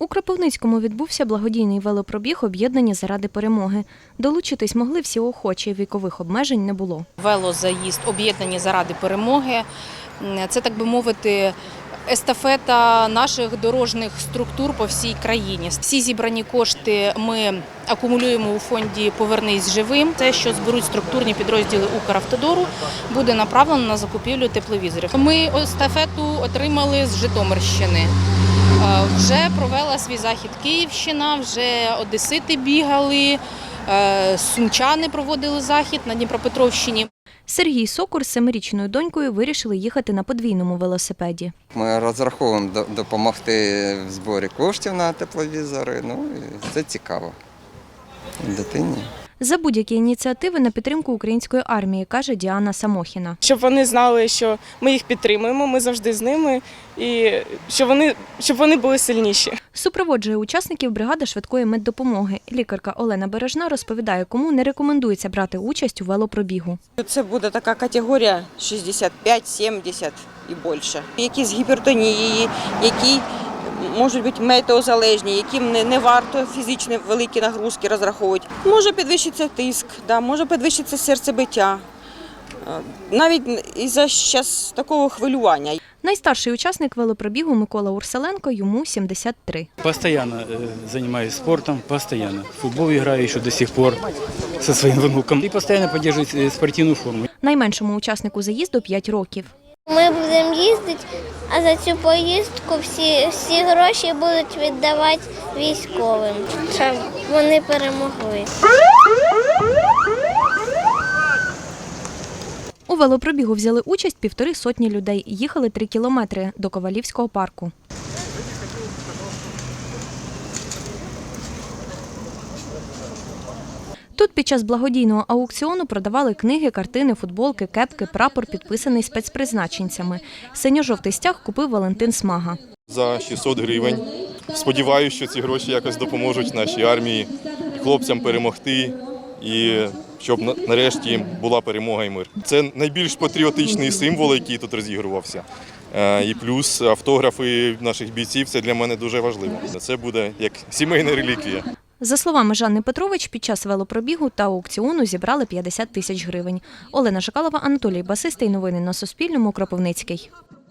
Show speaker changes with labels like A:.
A: У Кропивницькому відбувся благодійний велопробіг «Об'єднані заради перемоги». Долучитись могли всі охочі, вікових обмежень не було.
B: Велозаїзд «Об'єднані заради перемоги» – це, так би мовити, естафета наших дорожніх структур по всій країні. Всі зібрані кошти ми акумулюємо у фонді «Повернись живим». Те, що зберуть структурні підрозділи Укравтодору, буде направлено на закупівлю тепловізорів. Ми естафету отримали з Житомирщини. Вже провела свій захід Київщина, вже одесити бігали, сумчани проводили захід на Дніпропетровщині.
A: Сергій Сокур з 7-річною донькою вирішили їхати на подвійному велосипеді.
C: Ми розраховуємо допомогти в зборі коштів на тепловізори, і це цікаво дитині.
A: За будь-які ініціативи на підтримку української армії, каже Діана Самохіна.
D: Щоб вони знали, що ми їх підтримуємо, ми завжди з ними, і щоб вони були сильніші.
A: Супроводжує учасників бригада швидкої меддопомоги. Лікарка Олена Бережна розповідає, кому не рекомендується брати участь у велопробігу.
E: Це буде така категорія 65-70 і більше. Які з гіпертонією, які можуть бути метеозалежні, яким не варто фізичні великі нагрузки розраховувати. Може підвищитися тиск, може підвищитися серцебиття, навіть із-за зараз такого хвилювання.
A: Найстарший учасник велопробігу Микола Урсаленко, йому 73.
F: Постоянно занимаюсь спортом, постоянно. В футбол играю еще до сих пор со своим внуком. И постоянно поддерживаю спортивную форму.
A: Найменшому учаснику заїзду 5 років.
G: Ми будемо їздити, а за цю поїздку всі гроші будуть віддавати військовим, щоб вони перемогли.
A: У велопробігу взяли участь 150 людей. Їхали 3 кілометри до Ковалівського парку. Тут під час благодійного аукціону продавали книги, картини, футболки, кепки, прапор, підписаний спецпризначенцями. Синьо-жовтий стяг купив Валентин Смага.
H: За 600 гривень. Сподіваюся, що ці гроші якось допоможуть нашій армії, хлопцям перемогти і щоб нарешті була перемога і мир. Це найбільш патріотичний символ, який тут розігрувався. І плюс автографи наших бійців – це для мене дуже важливо. Це буде як сімейна реліквія.
A: За словами Жанни Петрович, під час велопробігу та аукціону зібрали 50 тисяч гривень. Олена Шакалова, Анатолій Басистий. Новини на Суспільному. Кропивницький.